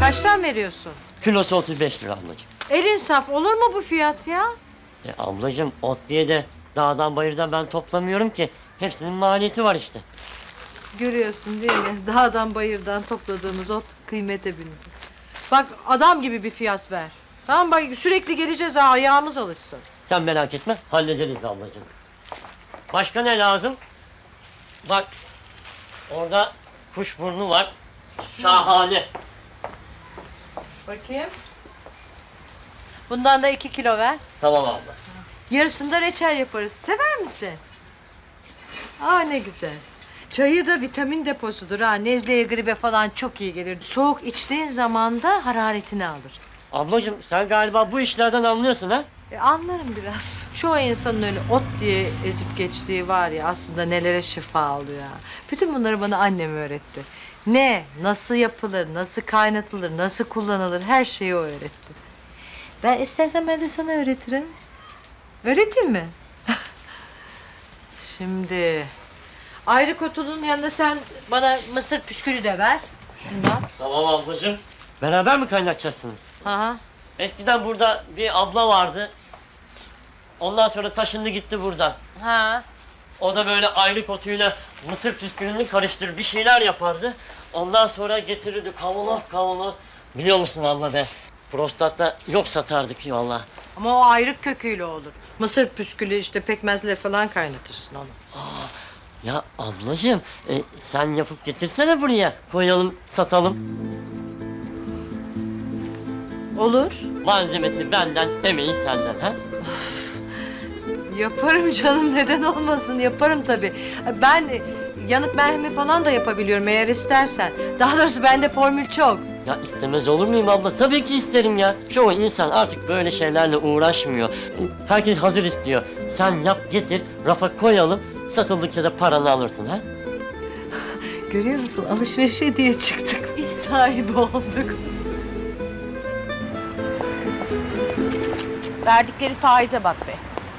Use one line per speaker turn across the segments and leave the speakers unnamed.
Kaçtan veriyorsun?
Kilosu 35 lira ablacığım.
Elin saf olur mu bu fiyat ya?
Ablacığım ot diye de dağdan bayırdan ben toplamıyorum ki. Hepsinin maliyeti var işte.
Görüyorsun değil mi? Dağdan bayırdan topladığımız ot kıymete bindi. Bak adam gibi bir fiyat ver. Tamam bak sürekli geleceğiz ha ayağımız alışsın.
Sen merak etme hallederiz ablacığım. Başka ne lazım? Bak orada kuşburnu var. Şahane.
Bakayım. Bundan da 2 kilo ver.
Tamam abla.
Yarısında reçel yaparız. Sever misin? Aa ne güzel. Çayı da vitamin deposudur ha. Nezleye, gribe falan çok iyi gelir. Soğuk içtiğin zaman da hararetini alır.
Ablacığım sen galiba bu işlerden anlıyorsun ha?
Anlarım biraz. Çoğu insanın öyle ot diye ezip geçtiği var ya aslında nelere şifa alıyor ha. Bütün bunları bana annem öğretti. Ne, nasıl yapılır, nasıl kaynatılır, nasıl kullanılır her şeyi o öğretti. Ben istersen ben de sana öğretirim. Öğreteyim mi? Şimdi ayrı kutunun yanında sen bana mısır püskülü de ver. Şundan.
Tamam ablacığım. Beraber mi kaynatacaksınız?
Aha.
Eskiden burada bir abla vardı. Ondan sonra taşındı gitti buradan.
Ha.
O da böyle ayrı otuyla mısır püskülünü karıştırır bir şeyler yapardı. Ondan sonra getirirdi kavanoz kavanoz. Biliyor musun abla be? Prostatta yok satardık valla.
Ama o ayrık köküyle olur. Mısır püskülü işte pekmezle falan kaynatırsın onu.
Ya ablacığım sen yapıp getirsene buraya. Koyalım satalım.
Olur.
Malzemesi benden, emeği senden ha?
Yaparım canım neden olmasın yaparım tabii. Ben yanık merhemi falan da yapabiliyorum eğer istersen. Daha doğrusu bende formül çok.
Ya istemez olur muyum abla? Tabii ki isterim ya. Çoğu insan artık böyle şeylerle uğraşmıyor. Herkes hazır istiyor. Sen yap getir, rafa koyalım. Satıldıkça da paranı alırsın ha?
Görüyor musun alışverişe diye çıktık. İş sahibi olduk.
Verdikleri faize bak be.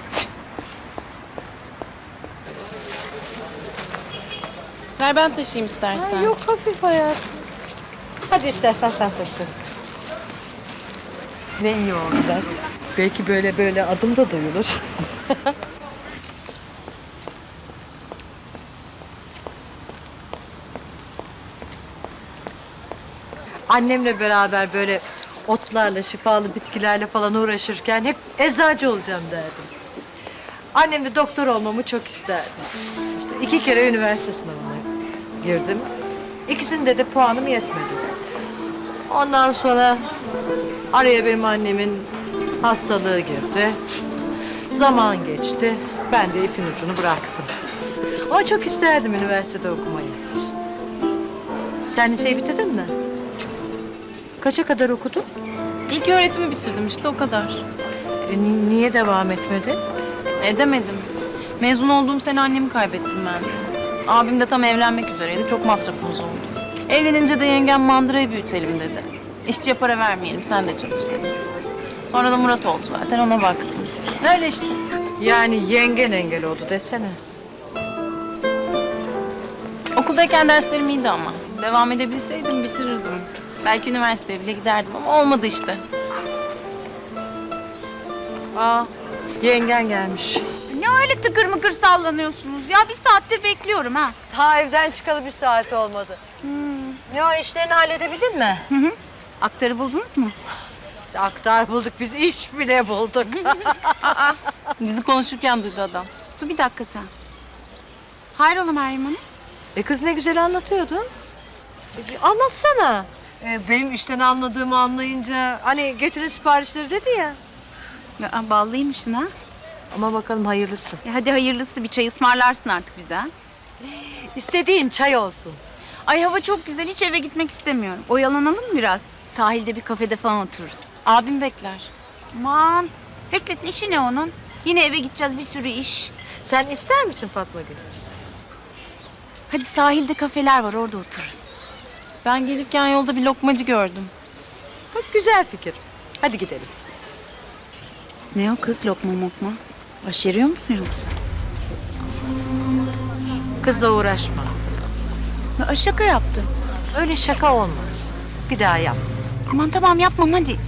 Ver ben taşıyayım istersen.
Yok hafif hayat. Hadi istersen sen taşı. Ne iyi oldu bak. Belki böyle adım da duyulur. Annemle beraber böyle otlarla, şifalı bitkilerle falan uğraşırken hep eczacı olacağım derdim. Annem de doktor olmamı çok isterdi. İşte 2 kere üniversite sınavına girdim. İkisinde de puanım yetmedi. Ondan sonra araya benim annemin hastalığı girdi. Zaman geçti. Ben de ipin ucunu bıraktım. Ama çok isterdim üniversitede okumayı. Sen liseyi bitirdin mi? Kaça kadar okudun?
İlk öğretimi bitirdim işte o kadar.
Niye devam etmedin?
Edemedim. Mezun olduğum sene annemi kaybettim ben. Abim de tam evlenmek üzereydi. Çok masrafımız oldu. Evlenince de yengem mandırayı büyütelim dedi. İşçiye para vermeyelim sen de çalış dedi. Sonra da Murat oldu zaten ona baktım. Öyle işte.
Yani yengen engel oldu desene.
Okuldayken derslerim iyiydi ama. Devam edebilseydim bitirirdim. Belki üniversiteye bile giderdim ama olmadı işte.
Aa, yengen gelmiş.
Ne öyle tıkır mıkır sallanıyorsunuz ya? Bir saattir bekliyorum ha.
Ta evden çıkalı 1 saat olmadı. Ne o işlerini halledebildin mi?
Aktarı buldunuz mu?
Biz aktar bulduk, biz iş bile bulduk.
Bizi konuşurken duydu adam.
Dur bir dakika sen. Hayrola Meryem Hanım?
Kız ne güzel anlatıyordun. Anlatsana. Benim işten anladığımı anlayınca hani getirin siparişleri dedi ya.
Ya, ballıymışsın ha.
Ama bakalım hayırlısı.
Hadi hayırlısı bir çay ısmarlarsın artık bize ha.
İstediğin çay olsun.
Ay hava çok güzel hiç eve gitmek istemiyorum. Oyalanalım mı biraz? Sahilde bir kafede falan otururuz.
Abim bekler.
Aman beklesin işi ne onun? Yine eve gideceğiz bir sürü iş.
Sen ister misin Fatma Gül?
Hadi sahilde kafeler var orada otururuz.
Ben gelirken yolda bir lokmacı gördüm.
Bak güzel fikir. Hadi gidelim.
Ne o kız lokma mokma? Başarıyor musun yoksa?
Kızla uğraşma.
Ya, şaka yaptım.
Öyle şaka olmaz. Bir daha yap.
Aman tamam yapmam hadi.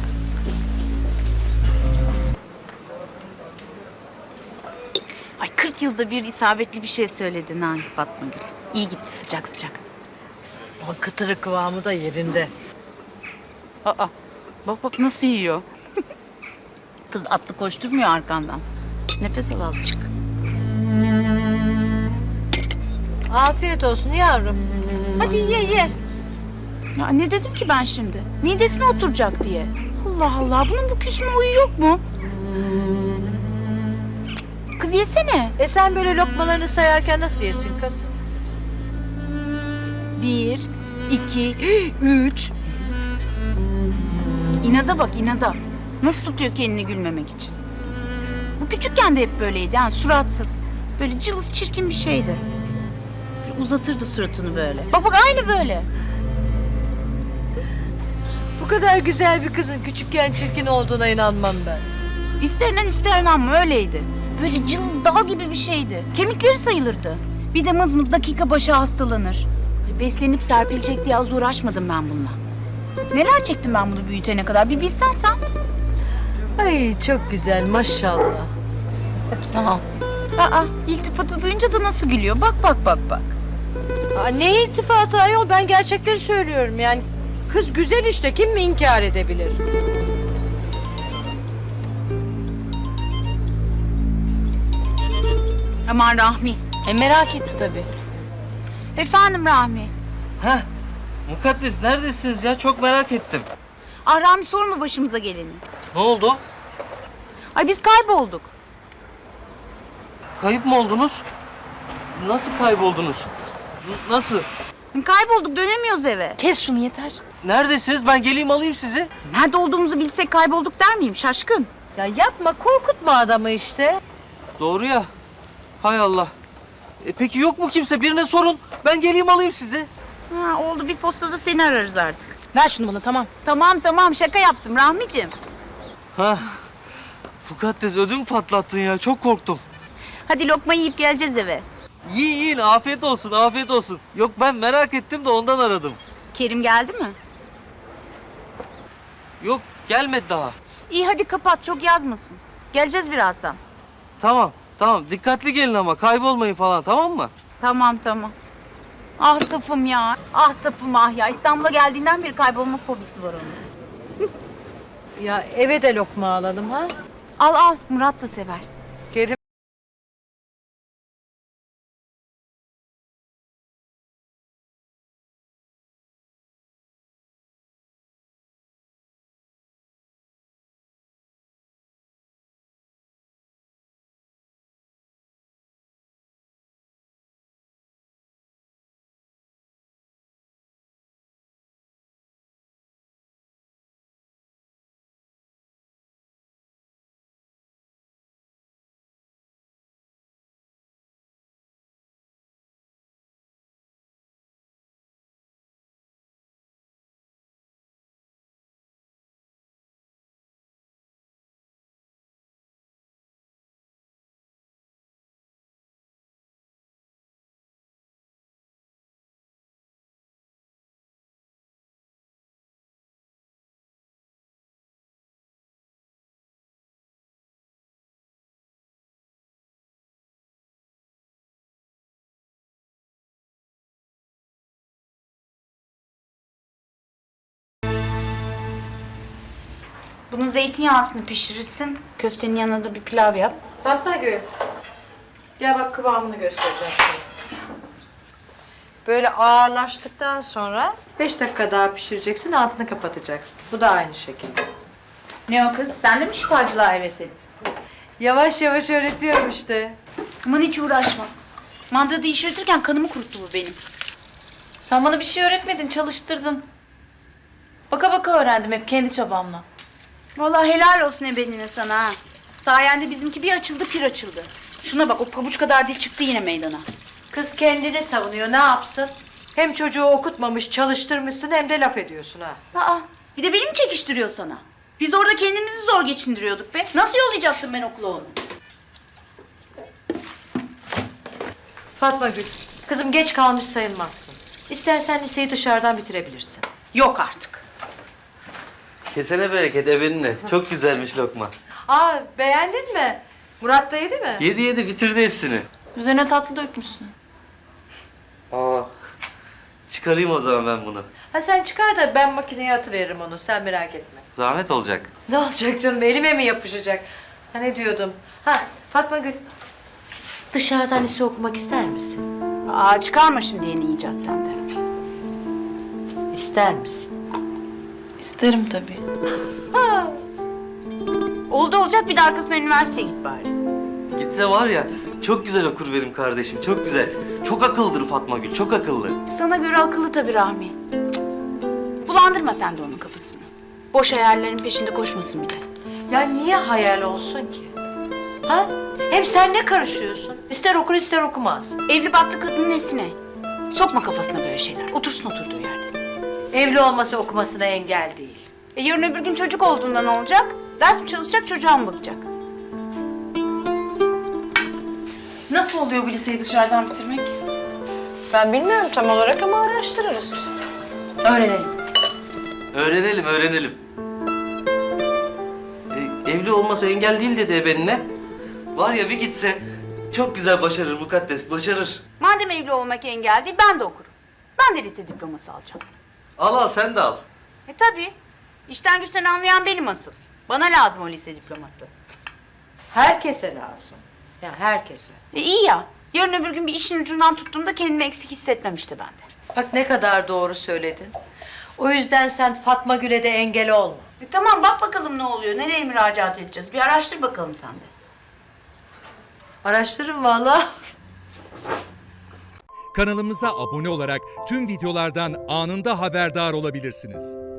Ay 40 yılda bir isabetli bir şey söyledin ha Fatma Gül. İyi gitti sıcak sıcak.
Ama kıtırı kıvamı da yerinde.
Aa bak bak nasıl yiyor. Kız atlı koşturmuyor arkandan. Nefes al azıcık.
Afiyet olsun yavrum. Hadi ye.
Ya ne dedim ki ben şimdi? Midesine oturacak diye. Allah Allah bunun bu küsme huyu yok mu? Cık, kız yesene.
Sen böyle lokmalarını sayarken nasıl yesin kız?
1, 2, 3. İnada bak inada. Nasıl tutuyor kendini gülmemek için? Bu küçükken de hep böyleydi yani suratsız. Böyle cılız çirkin bir şeydi. Böyle uzatırdı suratını böyle. Bak bak aynı böyle.
Bu kadar güzel bir kızın küçükken çirkin olduğuna inanmam ben.
İsterinden ister ama öyleydi. Böyle cılız dağ gibi bir şeydi. Kemikleri sayılırdı. Bir de mız dakika başı hastalanır. Beslenip serpilecek diye az uğraşmadım ben bununla. Neler çektim ben bunu büyütene kadar bir bilsen sen.
Ay çok güzel maşallah.
Sağ ol. Aa, iltifatı duyunca da nasıl gülüyor. Bak bak bak bak.
Ne iltifatı ayol, ben gerçekleri söylüyorum yani. Kız güzel işte, kim mi inkar edebilir?
Aman Rahmi.
Merak etti tabii.
Efendim Rahmi.
Heh, Mukaddes neredesiniz ya? Çok merak ettim.
Ah Rahmi sorma başımıza geleni.
Ne oldu?
Ay biz kaybolduk.
Kayıp mı oldunuz? Nasıl kayboldunuz? Nasıl?
Kaybolduk dönemiyoruz eve.
Kes şunu yeter.
Neredesiniz? Ben geleyim alayım sizi.
Nerede olduğumuzu bilsek kaybolduk der miyim şaşkın?
Ya yapma, korkutma adamı işte.
Doğru ya. Hay Allah. Peki yok mu kimse? Birine sorun. Ben geleyim alayım sizi.
Ha, oldu bir postada seni ararız artık.
Ver şunu bana tamam.
Tamam şaka yaptım Rahmiciğim.
Ha. Mukaddes ödüm patlattın ya. Çok korktum.
Hadi lokma yiyip geleceğiz eve.
Yiyin afiyet olsun afiyet olsun. Yok ben merak ettim de ondan aradım.
Kerim geldi mi?
Yok gelmedi daha.
İyi hadi kapat çok yazmasın. Geleceğiz birazdan.
Tamam dikkatli gelin ama kaybolmayın falan tamam mı?
Tamam. Ah Safım ya. Ah Safım ah ya. İstanbul'a geldiğinden beri kaybolma fobisi var onun.
Ya eve de lokma alalım ha.
Al Murat da sever.
Kerim.
Bunun zeytinyağısını pişirirsin. Köftenin yanına da bir pilav yap.
Fatma Gül. Gel bak, kıvamını göstereceğim sana. Böyle ağırlaştıktan sonra 5 dakika daha pişireceksin, altını kapatacaksın. Bu da aynı şekilde.
Ne o kız? Sen de mi şifacılığa heves ettin?
Yavaş yavaş öğretiyorum işte.
Aman hiç uğraşma. Mandırada iş yürütürken kanımı kuruttu bu benim.
Sen bana bir şey öğretmedin, çalıştırdın. Baka baka öğrendim hep kendi çabamla.
Vallahi helal olsun ebenine sana ha. Sayende bizimki bir açıldı pir açıldı. Şuna bak o pabuç kadar dil çıktı yine meydana.
Kız kendini savunuyor, ne yapsın? Hem çocuğu okutmamış, çalıştırmışsın, hem de laf ediyorsun ha.
Aa, bir de beni mi çekiştiriyor sana? Biz orada kendimizi zor geçindiriyorduk be. Nasıl yollayacaktım ben okula onu?
Fatma Gül, kızım geç kalmış sayılmazsın. İstersen liseyi dışarıdan bitirebilirsin.
Yok artık.
Kesene bereket ebeninle. Çok güzelmiş lokma.
Aa, beğendin mi? Murat da yedi mi?
Yedi bitirdi hepsini.
Üzerine tatlı dökmüşsün.
Aa. Çıkarayım o zaman ben bunu.
Ha sen çıkar da ben makineye atıveririm onu. Sen merak etme.
Zahmet olacak.
Ne olacak canım? Elime mi yapışacak? Ha ne diyordum? Ha Fatma Gül. Dışarıdan lise okumak ister misin?
Aa, çıkarma şimdi yeni icat sende.
İster misin?
İsterim tabii.
Oldu olacak, bir de arkasından üniversiteye git bari.
Gitse var ya çok güzel okur benim kardeşim. Çok güzel. Çok akıllıdır Fatma Gül. Çok akıllı.
Sana göre akıllı tabii Rahmi. Cık. Bulandırma sen de onun kafasını. Boş hayallerin peşinde koşmasın bir de.
Ya niye hayal olsun ki? Ha? Hem sen ne karışıyorsun? İster okur ister okumaz.
Evli barklı kadının nesine? Sokma kafasına böyle şeyler. Otursun oturduğu yerde.
Evli olması okumasına engel değil.
Yarın öbür gün çocuk olduğunda ne olacak? Ders mi çalışacak, çocuğa mı bakacak?
Nasıl oluyor bu liseyi dışarıdan bitirmek?
Ben bilmiyorum tam olarak ama araştırırız.
Öğrenelim.
Öğrenelim. Evli olması engel değil dedi ebenine. Var ya bir gitse çok güzel başarır mukaddes, başarır.
Madem evli olmak engel değil, ben de okurum. Ben de lise diploması alacağım.
Al sen de al.
Tabii. İşten güçten anlayan benim asıl. Bana lazım o lise diploması.
Herkese lazım. Ya herkese.
İyi ya. Yarın öbür gün bir işin ucundan tuttuğumda kendimi eksik hissetmem işte ben de.
Bak ne kadar doğru söyledin. O yüzden sen Fatma Gül'e de engel olma.
Tamam, bak bakalım ne oluyor. Nereye müracaat edeceğiz? Bir araştır bakalım sen de.
Araştırın vallahi.
Kanalımıza abone olarak tüm videolardan anında haberdar olabilirsiniz.